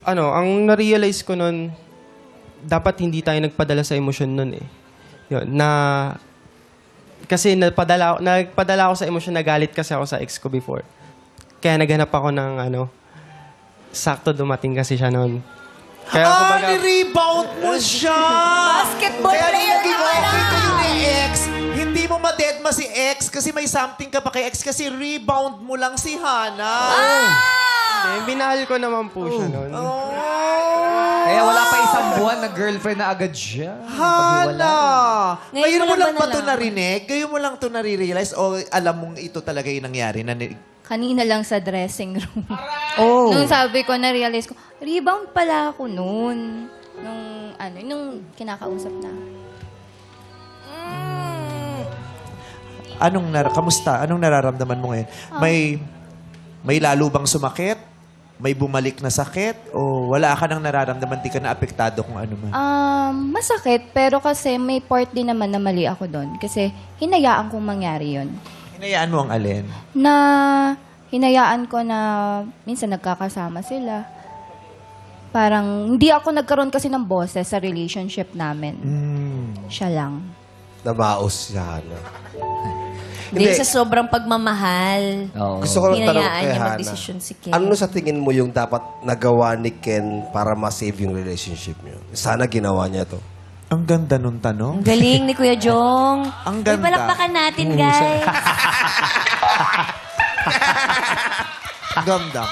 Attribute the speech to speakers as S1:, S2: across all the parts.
S1: Ang na-realize ko nun, dapat hindi tayo nagpadala sa emosyon nun eh. Yun, kasi nagpadala ako sa emosyon, nagalit kasi ako sa ex ko before. Kaya naghanap ako ng sakto dumating kasi siya nun. Kaya
S2: ni-rebound mo siya!
S3: Basketball
S2: Kaya
S3: player
S2: naging
S3: ka
S2: okay
S3: na!
S2: kayo ni ex. Hindi mo ma-deadma si ex kasi may something ka pa kay ex kasi rebound mo lang si Hana.
S1: binahal ko naman po siya nun.
S4: Kaya wala pa isang buwan na girlfriend na agad siya.
S2: Hana! Ngayon mo lang ba ito
S3: nalaman?
S2: narinig? Ngayon mo lang ito nare-realize o alam mong ito talaga yung nangyari?
S3: Kanina lang sa dressing room. Nung sabi ko, na-realize ko, rebound pala ako noon. Nung kinakausap na.
S2: Kamusta? Anong nararamdaman mo ngayon? May lalo bang sumakit? May bumalik na sakit? O wala ka nang nararamdaman, di ka na apektado kung ano man?
S3: Masakit, pero kasi may part din naman na mali ako doon. Kasi hinayaan kong mangyari yon.
S2: Hinayaan mo ang alin?
S3: Na hinayaan ko na minsan nagkakasama sila. Parang hindi ako nagkaroon kasi ng boses sa relationship namin. Siya lang.
S5: Nabaos si Hana.
S6: Hindi, sa sobrang pagmamahal.
S5: Gusto ko lang tanong
S6: Hinayaan
S5: kay
S6: niya
S5: Hana.
S6: magdesisyon si Ken.
S5: Ano sa tingin mo yung dapat nagawa ni Ken para ma-save yung relationship niyo? Sana ginawa niya to.
S2: Ang ganda nung tanong.
S6: Ang galing ni Kuya Jong.
S2: Ang
S6: Uy,
S2: ganda.
S6: palakpakan natin, guys.
S2: Ganda.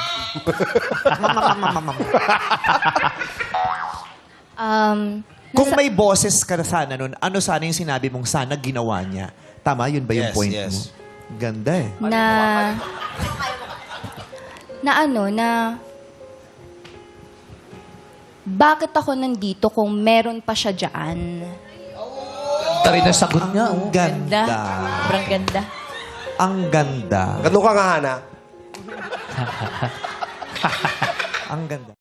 S2: Kung may boses ka na sana nun, ano sana yung sinabi mong sana ginawa niya? Tama, yun ba yung
S5: Yes,
S2: point
S5: yes.
S2: mo? Ganda eh.
S3: Bakit ako nandito kung meron pa siya dyan?
S4: Ito rin ang sagot niya.
S2: Ang
S6: Ganda.
S2: ganda.
S6: Sobrang ganda.
S2: Ang ganda.
S5: Ganun ka nga, Hana.
S2: Ang ganda.